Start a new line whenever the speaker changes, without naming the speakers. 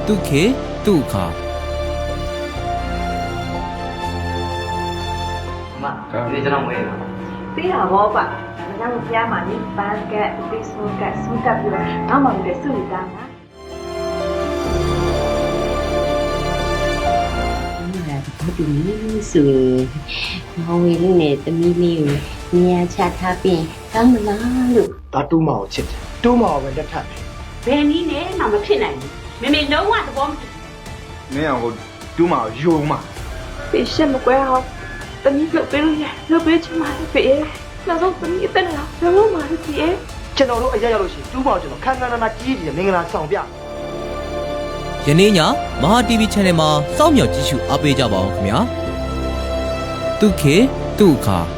တုခေတုခါ
ဒီကျွန်တော်မွေးတာ
သိတာဘောပါမင်းတို့ဖျားမှာနိပန်းကတ်ပိစုကတ်စုကတ်ပြီးတော့နောက်မှလည်းစုတာနာ
ဘာတူလေးဆိုရင်မောင်ဝေလေးနဲ့သမီးလေးကိုနေရာချထားပြီးကောင်းမလားလို့
ဒါတူးမအောင်ချစ်တယ်တူးမအောင်ပဲလက်ထပ်တယ်
ဘယ်နည်းနဲ့မှမဖြစ်နိုင်ဘူးမမေလုံးဝသဘောမတူ
မင်းအောင်ကိုတူးမအောင်ယုံမှာ
ဖေရှက်မကွဲအောင်တမီးလုပ်ပေးလို့ရလုပ်ပေးချင်ပါလေဖေနောက်ဆုံးတမီးအသက်လာဘယ်လိုမှမဖြစ်ရဲ့
ကျွန်တော်တို့အရက်ရောက်လို့ရှိရင်တူးမအောင်ကျွန်တော်ခန်းခန်းနာနာကြီးကြီးမင်္ဂလာဆောင်ပြ
ယနေ့ညမဟာ TV Channel မှာစောင့်မျှော်ကြည့်ရှုအားပေးကြပါအောင်ခင်ဗျာတုခေတုခါ